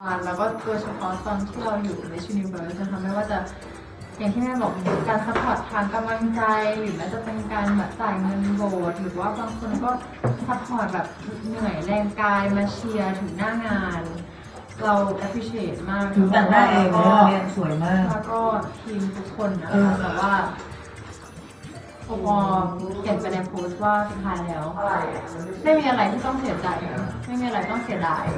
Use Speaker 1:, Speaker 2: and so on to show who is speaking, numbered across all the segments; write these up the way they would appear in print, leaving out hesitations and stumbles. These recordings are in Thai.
Speaker 1: คัญแล้วก็โดยเฉพาะตอนที่เราอยู่ในชูนิเวิร์สนะคะไม่ว่าจะอย่างที่แม่บอกการซัพพอร์ตทางกำลังใจหรือแม้จะเป็นการแบบจ่ายเงินโบสถ์หรือว่าบางคนก็ซัพพอร์ตแบบเหนื่อยแรงกายมาเชียร์ถึงหน้างานเรา appreciate มาก
Speaker 2: ถึงแต่งหน้าเองเนี่ยสวยมาก
Speaker 1: แล้วก็ทีมทุกคนนะคะแต่ว่าโอปอเขียนไปในโพสต์ว่าสุดท้ายแล้วไม่มีอะไรที่ต้องเสียใจไม่มีอะไรต้องเสียดาย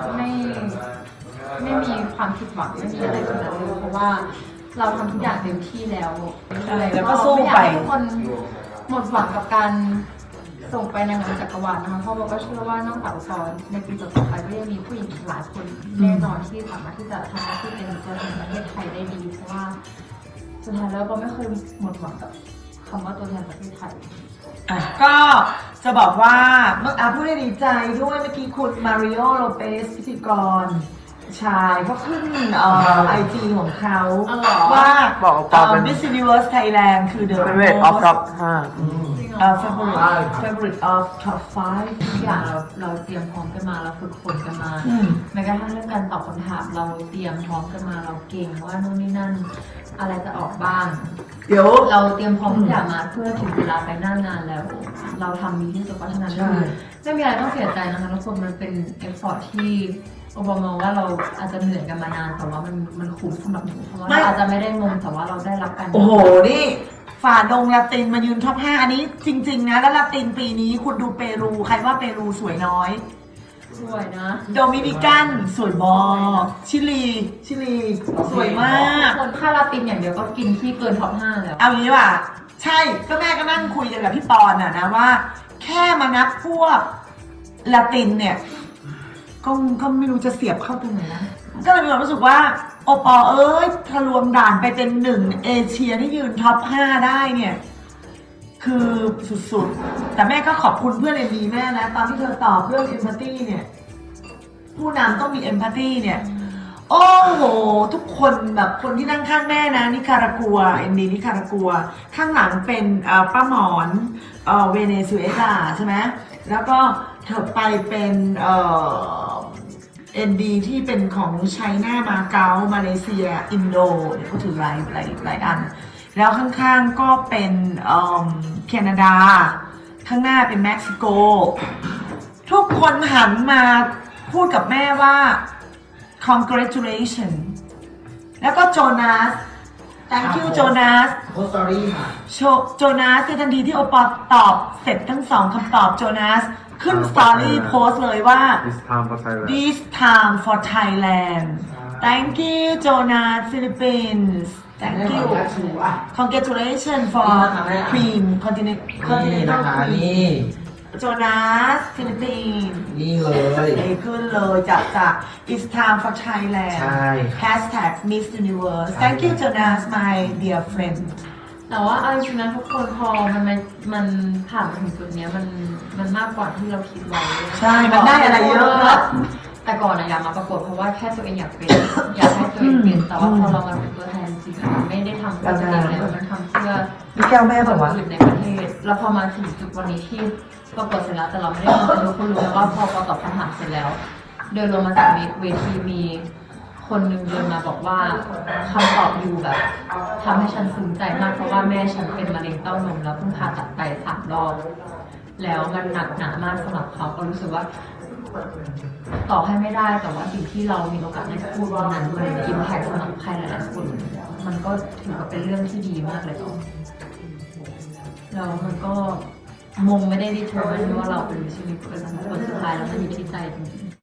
Speaker 1: ไม่มีความผิดหวังไม่มีอะไรทั้งนั้นเลยเพราะว่าเราทำทุกอย่างเต็มที่แล้ว
Speaker 2: แล้วก็สู้ไป
Speaker 1: ทุกคนหมดหวังกับการส่งไปนางงามจักรวาลนะคะเพราะเราก็เชื่อว่านอกจากซอนในปีต่อไปก็ยังมีผู้หญิงอีกหลายคนแน่นอนที่สามารถที่จะทำหน้าที่เป็นตัวแทนประเทศไทยได้ดีเพราะว่าสุดท้ายแล้วก็ไม่เคยหมดหวังกับคำว่าตัวแทนประเทศไทย
Speaker 2: ก็จะบอกว่าเมื่อพูดได้ดีใจด้วยเมื่อกี้คุณมาริโอโลเปสพิธีกรชายเขาขึ้นIG ของเขาว่าMiss Universe Thailand คือ The
Speaker 3: favorite of top
Speaker 2: favorite of top 5
Speaker 1: ทุกอย่างเราเตรียมพร้อมกันมาเราฝึกฝนกันมาแม้กระทั่งเรื่องการตอบคำถามเราเตรียมพร้อมกันมาเราเก่งว่านู่นนี่นั่นอะไรจะออกบ้าง
Speaker 2: เดี๋ยว
Speaker 1: เราเตรียมพร้อมทุกอย่างมาเพื่อถึงเวลาไปหน้างานแล้วเราทำดีที่สุดเพราะฉะนั้นไม่มีอะไรต้องเสียใจนะคะทุกคนมันเป็นเอฟฟอร์ตที่โอบามองว่าเราอาจจะเหนื่อยกันมานานแต่ว่ามันคุ้มสำหรับหนูเพราะว่าเราอาจจะไม่ได้งงแต่ว่าเราได้รับการ
Speaker 2: โอ้โหนี่ฝ่าดงลาตินมายืนท็อป 5อันนี้จริงๆนะแล้วลาตินปีนี้คุณดูเปรูใครว่าเปรูสวยน้อย
Speaker 1: สวยนะ
Speaker 2: โดมินิกันสวยบอชิลีสวยมาก
Speaker 1: คนค่าลาตินอย่างเดียวก็กินที่เกินท็อป 5แล้ว
Speaker 2: เอางี้ว่ะใช่ก็แม่ก็นั่งคุยกันกับพี่ปอนนะว่าแค่มานับพวกลาตินเนี่ยก็ไม่รู้จะเสียบเข้าตรงไหนนะก็เลยมีความรู้สึกว่าโอปอถ้ารวมด่านไปเป็น1เอเชียที่ยืนท็อป 5ได้เนี่ยคือสุดๆแต่แม่ก็ขอบคุณเพื่อนเอ็มดีแม่นะตอนที่เธอตอบเรื่องเอมพัตตี้เนี่ยผู้นำต้องมีเอมพัตตี้เนี่ยโอ้โหทุกคนแบบคนที่นั่งข้างแม่นะนิการากัวเอ็มดีนิการากัวข้างหลังเป็นป้าหมอนเวเนซุเอลาใช่ไหมแล้วก็เธอไปเป็นND ที่เป็นของไชน่ามาเก๊ามาเลเซียอินโดเนี่ยเขาถือหลายอันแล้วข้างๆก็เป็นแคนาดาข้างหน้าเป็นเม็กซิโกทุกคนหันมาพูดกับแม่ว่า congratulation แล้วก็โจนาส thank you โจนาส
Speaker 3: โพสต์สตอรี่ค่ะ
Speaker 2: โจนาสทันทีที่โอปอตอบเสร็จทั้ง2คำตอบโจนาสขึ้นสตอรี่โพสเลยว่า This time for Thailand Thank you Jonas Philippines Thank you Congratulations for Queen Continental Queen Jonas Philippines
Speaker 3: นี่เลย
Speaker 2: ขึ้นเลยจาก It's time for Thailand
Speaker 3: ใช่
Speaker 2: Hashtag Miss Universe Thank you Jonas my dear friend
Speaker 1: แต่ว่าเอาจริงๆนะทุกคนพอมันผ่านมาถึงจุดนี้มันมากกว่าที่เราคิดไว้
Speaker 2: ใช่มันได้อะไรเยอะครับ
Speaker 1: แต่ก่อนอยากมาประกวดเพราะว่าแค่ตัวเองอยากเป็นอยากให้ตัวเองเป็นแต่ว่าพอเรามาเป็นตัวแทนจริงๆไม่ได้ทำเพื่อตัวเองแล้วมันทำเพื่อ
Speaker 2: พี่แก้วแม่บอกว่า
Speaker 1: ในประเทศแล้วพอมาถึงจุดวันนี้ที่ประกวดเสร็จแล้วแต่เราไม่ได้ทำแต่ทุกคนรู้แล้วว่าพอตอบคำถามเสร็จแล้วเดินลงมาจากเวทีมีคนหนึ่งเดินมาบอกว่าคำตอบอยู่แบบทำให้ฉันซึ้งใจมากเพราะว่าแม่ฉันเป็นมะเร็งเต้านมแล้วเพิ่งผ่าตัดไป3 รอบแล้วมันหนักหนามากสำหรับเขาก็รู้สึกว่าต่อให้ไม่ได้แต่ว่าสิ่งที่เรามีโอกาสได้พูดวันนั้นมันอิมแพคสำหรับใครหลายๆคนมันก็ถือว่าเป็นเรื่องที่ดีมากเลยแล้วมันก็มงไม่ได้ดีเทอร์ว่าเราเป็นชีวิตคนสุดท้ายแล้วมันอยู่ที่ใจจริง